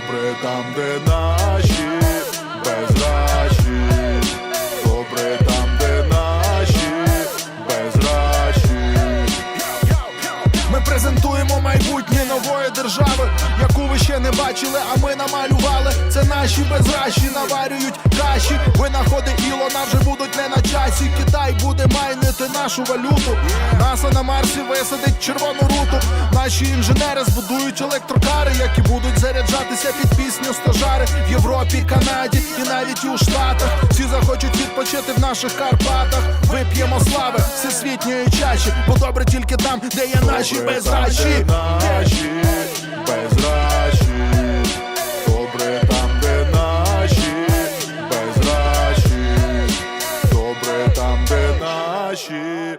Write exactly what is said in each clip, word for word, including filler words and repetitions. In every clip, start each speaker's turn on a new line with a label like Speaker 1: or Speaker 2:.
Speaker 1: Добре там, де наші безрачі. Добре там, де наші безрачі. Ми презентуємо майбутнє нової держави, яку ви ще не бачили, а ми намалювали. Це наші безрачі наварюють каші. Винаходи Ілона вже будуть не на часі. Китай буде майнити нашу валюту. НАСА на Марсі висадить червону руту. Наші інженери збудують електрокари, які будуть заряджатися під пісню стажари. В Європі, Канаді і навіть у Штатах. Всі захочуть відпочити в наших Карпатах. Вип'ємо слави всесвітньої чаші, бо добре тільки там, де є наші безрачі. Наші безрачі. Добре там, де наші безрачі. Добре там, де наші.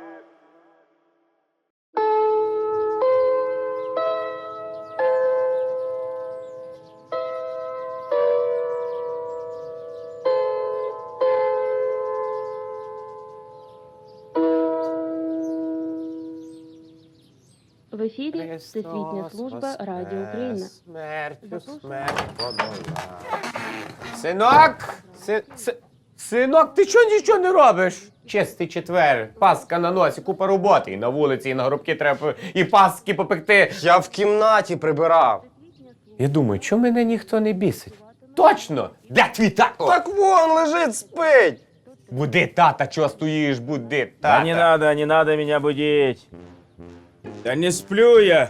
Speaker 2: В ефірі Всесвітня служба Радіо Україна.
Speaker 3: Смертю, смерть подолав. Синок! Си, си, синок, ти чого нічого не робиш? Чистий четвер, паска на носі, купа роботи. І на вулиці, і на горубки треба і паски попекти.
Speaker 4: Я в кімнаті прибирав.
Speaker 3: Я думаю, чому мене ніхто не бісить? Точно! Де твій тато?
Speaker 4: Так вон лежить, спить.
Speaker 3: Буди тата, чого стоїш, буди
Speaker 5: Да
Speaker 3: тата.
Speaker 5: не надо, не надо меня будить. Да не сплю я.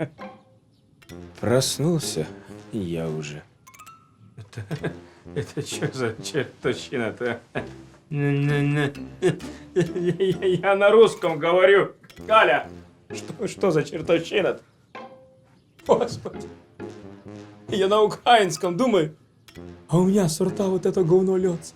Speaker 5: Проснулся и я уже. Это, это что за чертовщина-то? Я, я- я на русском говорю. Галя, что, что за чертовщина-то? Господи. Я на украинском думаю, а у меня с рта вот это говно льется.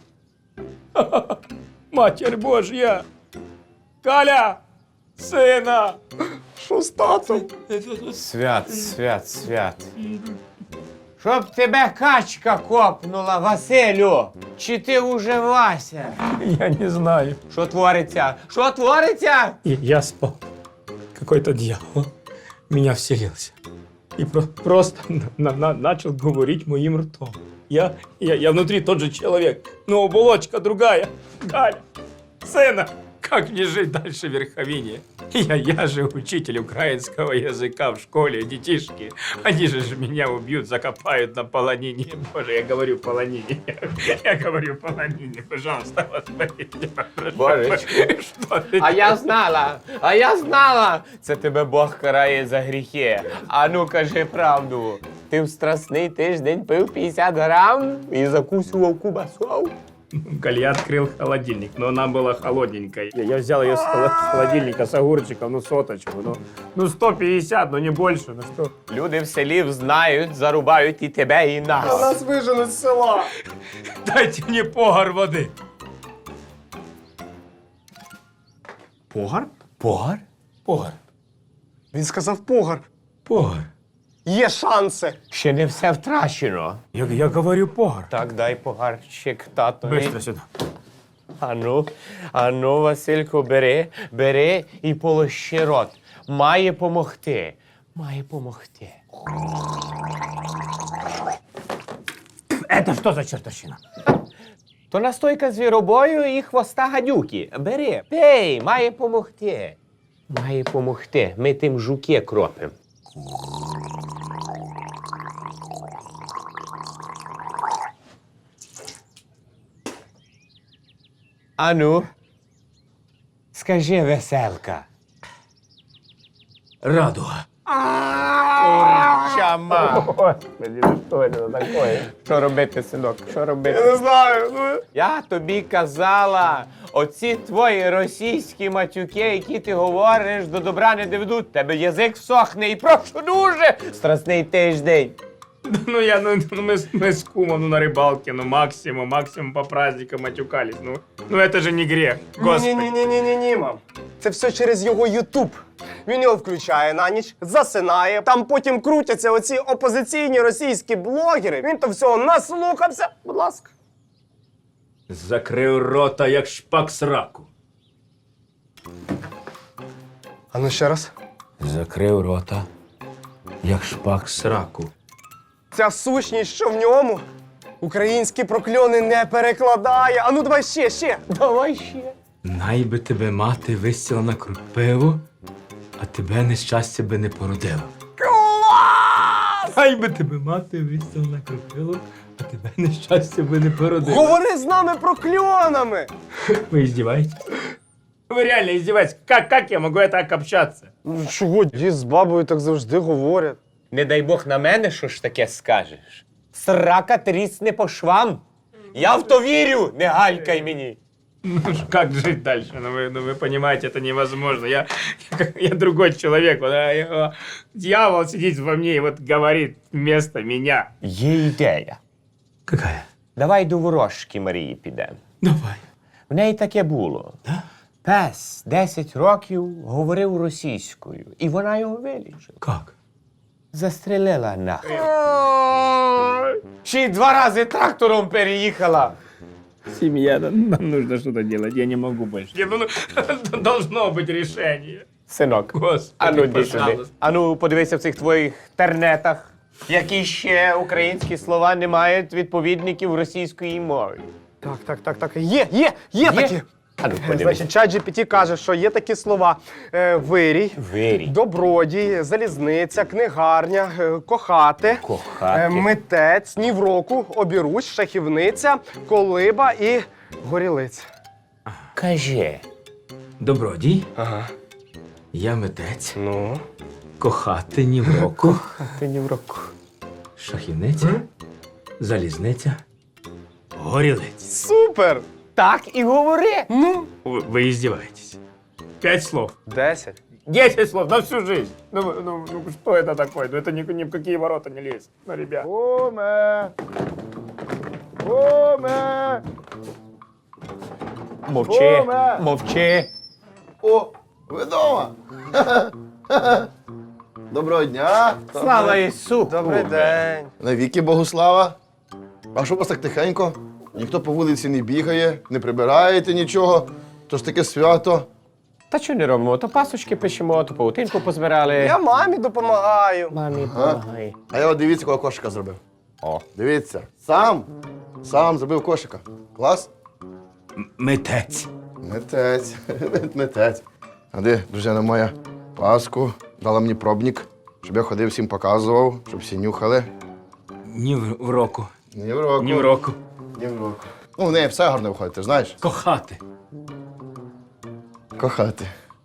Speaker 5: Матерь Божья! Галя! Сина!
Speaker 4: Що з татом?
Speaker 3: Свят, свят, свят. Щоб тебе качка копнула, Василю! Чи ти уже Вася?
Speaker 5: Я не знаю.
Speaker 3: Що твориться? Що твориться?
Speaker 5: И я спал. Какой-то дьявол в меня вселился. И про- просто на- на- начал говорить моим ртом. Я, я, я внутри тот же человек, но оболочка другая. Галя, сына, как мне жить дальше в Верховине? Я, я же учитель украинского языка в школе, детишки. Они же ж меня убьют, закопают на полонине. Боже, я говорю полонине. Я говорю полонине. Пожалуйста, возьмите, прошу.
Speaker 3: Божечко.
Speaker 5: Что ты
Speaker 3: А я знала, а я знала! Це тебе Бог карає за гріхи. А ну кажи правду. Ти в страсний тиждень пив п'ятдесят грам і закусував кубасов?
Speaker 5: Галя открыл холодильник, но она была холодненькой. Я я взял ее с холо- с холодильника с огурчиком, ну соточку, ну, ну сто пятьдесят, ну не больше, ну что.
Speaker 3: Люди в селі знають, зарубають і тебе, і нас.
Speaker 4: Нас виженуть з села.
Speaker 5: Дайте мне погар воды. Погар?
Speaker 3: Погар?
Speaker 5: Погар.
Speaker 4: Він сказав погар.
Speaker 5: Погар.
Speaker 4: Є шанси.
Speaker 3: Ще не все втрачено.
Speaker 5: Я, я говорю погар.
Speaker 3: Так, дай погарчик татові.
Speaker 5: Быстро сюда.
Speaker 3: Ану, ану, Василько, бери, бери і полощи рот. Має помогти. Має помогти.
Speaker 5: Это что за чертовщина?
Speaker 3: То настойка звіробою і хвоста гадюки. Бери, пей, має помогти. Має помогти. Ми тим жуки кропим. Ану, скажи, веселка.
Speaker 5: Радуга.
Speaker 3: Чама.
Speaker 5: Господи, ну что это такое?
Speaker 3: Що робити, синок? Що робити?
Speaker 4: Не знаю. Ну.
Speaker 3: Я тобі казала, оці твої російські матюки, які ти говориш, до добра не доведуть. Тебе язик всохне і прошу дуже. Страсний тиждень.
Speaker 5: Да ну я, ну, ну мы, с- мы с кумом ну, на рыбалке, ну максимум, максимум по праздникам матюкались. Ну, ну это же не грех, господи.
Speaker 4: Ні-ні-ні-ні-ні, мам. Це все через його Ютуб. Він його включає на ніч, засинає. Там потім крутяться оці опозиційні російські блогери. Він то всього наслухався. Будь ласка.
Speaker 5: Закрив рота, як шпак сраку.
Speaker 4: А ну ще раз.
Speaker 5: Закрив рота, як шпак сраку.
Speaker 4: Ця сущність, що в ньому, українські прокльони не перекладає. А ну давай ще, ще.
Speaker 3: Давай ще.
Speaker 5: Най би тебе мати висіла на крупиву, а тебе нещастя би не породило.
Speaker 4: Клас!
Speaker 5: Най би тебе мати висіла на крупиву, а тебе нещастя би не породило.
Speaker 4: Говори з нами прокльонами.
Speaker 5: Вы издеваетесь? Вы реально издеваетесь? Как, как я могу так общаться?
Speaker 4: Ну чого, дід з бабою так завжди говорять.
Speaker 3: Не дай Бог на мене, що ж таке скажеш. Срака трісне по швам. Я в то вірю, не галькай мені.
Speaker 5: Ну ж, как жить дальше? Ну вы, ну вы понимаете, это невозможно. Я, я, я другой человек. Вот, а, я- дьявол сидит во мне и вот говорит вместо меня.
Speaker 3: Є ідея.
Speaker 5: Какая?
Speaker 3: Давай до ворожки Марії підемо.
Speaker 5: Давай.
Speaker 3: В неї таке було.
Speaker 5: Да?
Speaker 3: Пес десять років говорив російською, і вона його вилічила.
Speaker 5: Как?
Speaker 3: Застрелила нахуй. Ще й два рази трактором переїхала.
Speaker 5: Семья, нам нужно что-то делать. Я не могу больше. Не, ну, ну, должно быть решение.
Speaker 3: Синок,
Speaker 5: Господи,
Speaker 3: ану йди сюди.
Speaker 5: пожалуйста.
Speaker 3: Ану, подивися в цих твоїх тернетах, які ще українські слова не мають відповідників російської мови.
Speaker 4: Так, так, так, так. Є, є, є такі.
Speaker 3: Ану,
Speaker 4: Е,
Speaker 3: подивись.
Speaker 4: Значить, чат джі пі ті каже, що є такі слова: е, вирій,
Speaker 3: Вирій.
Speaker 4: добродій, залізниця, книгарня, е, кохати,
Speaker 3: Кохати.
Speaker 4: е, митець, ні в року, обіруч, шахівниця, колиба і горілиця.
Speaker 3: Кажи.
Speaker 5: Добродій,
Speaker 4: Ага.
Speaker 5: я митець,
Speaker 4: Ну.
Speaker 5: кохати ні в року,
Speaker 3: Ти ні в року.
Speaker 5: шахівниця, залізниця, горілиць.
Speaker 4: Супер!
Speaker 3: Так і говори.
Speaker 4: Ну.
Speaker 5: Вы, вы издеваетесь. Пять слов.
Speaker 4: Десять.
Speaker 5: Десять слов на всю жизнь. Ну, вы- ну, ну что это такое? Ну это ни, ни в какие ворота не лезет. Ну, ребят.
Speaker 1: Оме! Оме!
Speaker 3: Мовчи,
Speaker 1: Оме!
Speaker 3: мовчи.
Speaker 1: О, ви вдома? Доброго дня!
Speaker 3: Слава Ісу!
Speaker 4: Добрий день.
Speaker 1: Навіки Богу слава! А що у вас так тихенько? Ніхто по вулиці не бігає, не прибираєте нічого. То ж таке свято.
Speaker 3: Та що не робимо? То пасочки пишемо, то паутинку позбирали.
Speaker 4: Я мамі допомагаю.
Speaker 3: Мамі,
Speaker 1: Ага.
Speaker 3: помагай.
Speaker 1: А я от дивіться, кого кошика зробив.
Speaker 3: О.
Speaker 1: Дивіться, сам, сам зробив кошика. Клас?
Speaker 5: Митець.
Speaker 1: Митець, митець. А де, дружина моя, паску, дала мені пробник, щоб я ходив, всім показував, щоб всі нюхали.
Speaker 5: Ні в, в року.
Speaker 1: Ні в року.
Speaker 5: Ні в року.
Speaker 1: Ні в року. Ну, в неї все гарно виходить, ти ж знаєш?
Speaker 5: Кохати.
Speaker 1: Кохати.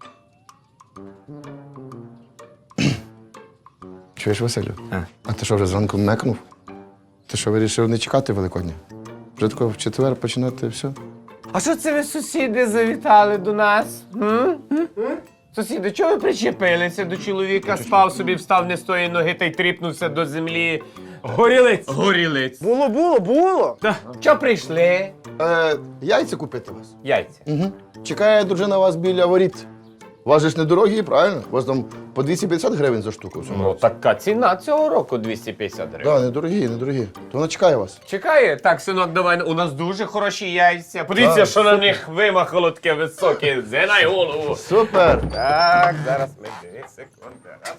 Speaker 1: Чуєш, Василю?
Speaker 5: А?
Speaker 1: А ти що, вже зранку мекнув? Ти що, вирішив не чекати Великодня? Вже тако в четвер починати все?
Speaker 3: А що це ви, сусіди, завітали до нас? М? М? Сусіди, чого ви причепилися до чоловіка? Спав собі, встав не з тої ноги та й тріпнувся до землі.
Speaker 5: Горілиць.
Speaker 3: Горілиць.
Speaker 4: Було, було, було.
Speaker 3: Що прийшли?
Speaker 1: Е, яйця купити вас.
Speaker 3: Яйця.
Speaker 1: Угу. Чекає дружина вас біля воріт. У вас же ж недорогі, правильно? У вас там по двісті п'ятдесят гривень за штуку. в цьому
Speaker 3: Ну,
Speaker 1: році.
Speaker 3: така ціна цього року двісті п'ятдесят гривень.
Speaker 1: Да, недорогі, недорогі. То вона чекає вас.
Speaker 3: Чекає? Так, синок, давай, у нас дуже хороші яйця. Подивіться,
Speaker 1: Так,
Speaker 3: що на них вимахало таке високе. Зинай голову.
Speaker 1: Супер!
Speaker 3: Так, зараз ми дві секунди. Раз.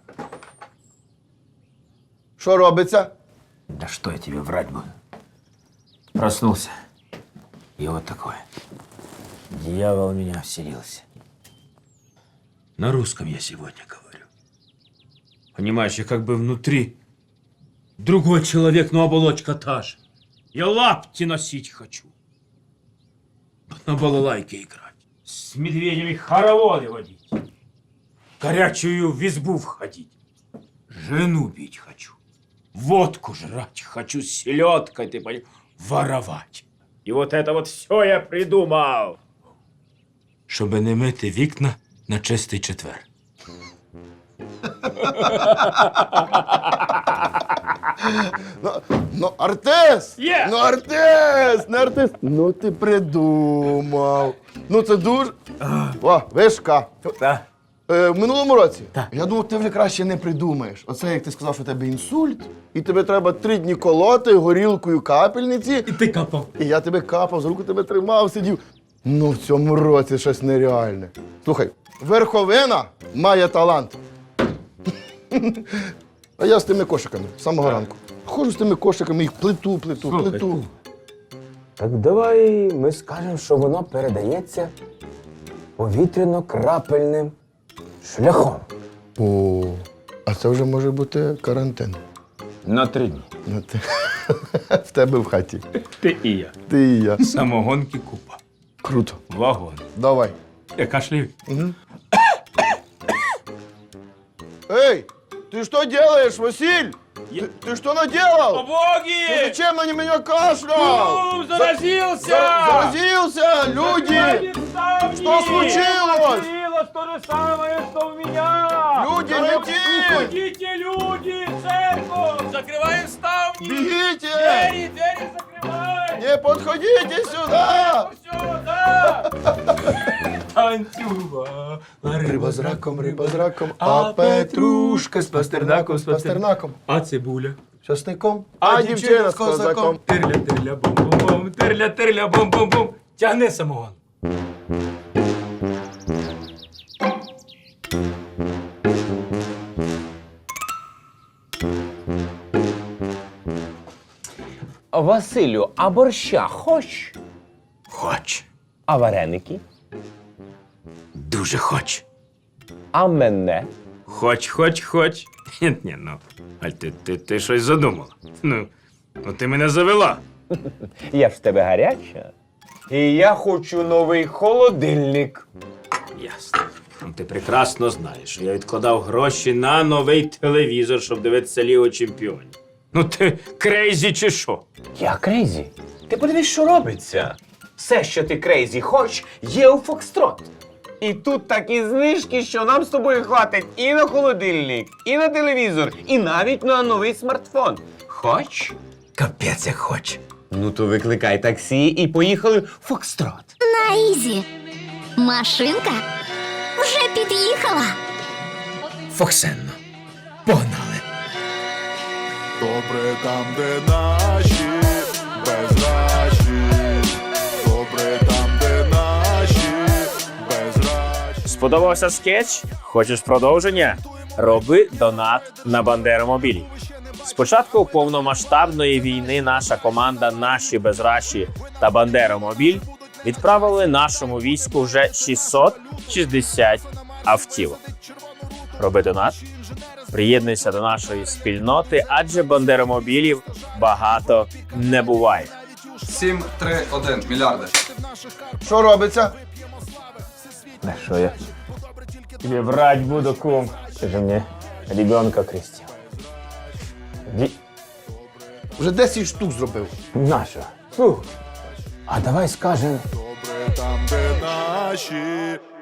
Speaker 1: Що робиться?
Speaker 5: Да что я тебе врать буду? Проснулся. И вот такое. Дьявол в меня вселился. На русском я сегодня говорю. Понимаешь, я как бы внутри другой человек, но оболочка та же. Я лапти носить хочу. На балалайке играть. С медведями хороводы водить. Горячую в избу входить. Жену бить хочу. Водку жрать хочу, с селедкой, ты понимаешь, воровать. И вот это вот все я придумал. Щоб не мити вікна на чистий четвер.
Speaker 1: Ну, ну артист!
Speaker 5: Є!
Speaker 1: Ну артист! Не артист! Ну ти придумав. Ну це дуже. О, вишка.
Speaker 5: Так.
Speaker 1: Е, в минулому році
Speaker 5: Так.
Speaker 1: я думав, ти вже краще не придумаєш. Оце як ти сказав, що у тебе інсульт, і тебе треба три дні колоти горілкою капельниці.
Speaker 5: І ти капав.
Speaker 1: І я тебе капав, за руку тебе тримав, сидів. Ну, в цьому році щось нереальне. Слухай, верховина має талант.
Speaker 6: А я з тими кошиками, з самого ранку. Ходжу з тими кошиками, їх плиту, плиту,
Speaker 5: Слухай,
Speaker 6: плиту.
Speaker 7: Так давай ми скажемо, що воно передається повітряно-крапельним шляхом.
Speaker 6: О, а це вже може бути карантин.
Speaker 7: На три дні.
Speaker 6: Ну, ти- В тебе в хаті.
Speaker 5: Ти і я.
Speaker 6: Ти і я.
Speaker 5: Самогонки купа.
Speaker 6: Круто.
Speaker 5: Вагон.
Speaker 6: Давай.
Speaker 5: Я кашляю.
Speaker 6: Эй, ты что делаешь, Василь? Ты, ты что наделал? Ты
Speaker 5: Боги!
Speaker 6: зачем на меня кашлял?
Speaker 5: Заразился!
Speaker 6: За- заразился! Люди! Что случилось?
Speaker 5: То же самое, что у меня!
Speaker 6: Люди, лети!
Speaker 5: Уходите, люди! Церковь! Закрываем ставни!
Speaker 6: Бегите!
Speaker 5: Двери, двери закрывай!
Speaker 6: Не подходите сюда!
Speaker 5: Все, да! Танцюва!
Speaker 6: Риба з раком, риба з раком, а петрушка з пастернаком, з пастернаком,
Speaker 5: А цибуля?
Speaker 6: часником, а дівчина з козаком.
Speaker 5: Тирля, тирля, бом-бом-бом, тирля, тирля, бом-бом-бом. Тягни самогон.
Speaker 3: Василю, а борща хоч?
Speaker 5: Хоч.
Speaker 3: А вареники?
Speaker 5: Дуже хоч.
Speaker 3: А мене?
Speaker 5: Хоч, хоч, хоч. Ні, ні, ну. Аль, ти, ти, ти щось задумала. Ну, ну ти мене завела.
Speaker 3: Я ж в тебе гаряча. І я хочу новий холодильник.
Speaker 5: Ясно. Ну, ти прекрасно знаєш, що я відкладав гроші на новий телевізор, щоб дивитися Лігу Чемпіонів. Ну ти крейзі чи що?
Speaker 3: Я крейзі. Ти подивись, що робиться. Все, що ти крейзі хоч, є у Фокстрот. І тут такі знижки, що нам з тобою хватить і на холодильник, і на телевізор, і навіть на новий смартфон. Хоч?
Speaker 5: Капець як хоч.
Speaker 3: Ну то викликай таксі і поїхали в Фокстрот.
Speaker 8: На Ізі. Машинка вже під'їхала.
Speaker 5: Фоксенно. Погнали.
Speaker 1: Добре там, де наші безрачі. Добре там, де наші безрачі.
Speaker 9: Сподобався скетч? Хочеш продовження? Роби донат на Бандеромобілі. З початку повномасштабної війни наша команда «Наші безраші» та «Бандеромобіль» відправили нашому війську вже шістсот шістдесят автівок. Роби донат, приєднуйся до нашої спільноти, адже бандеромобілів багато не буває.
Speaker 10: сім, три, один мільярди.
Speaker 6: Що робиться?
Speaker 7: На що я? Тебе брать буду, кум. Ти же мені ребенка крестив. Ді...
Speaker 6: Вже десять штук зробив.
Speaker 7: Нащо? Фу. А давай скажем,
Speaker 1: Добре там, де наші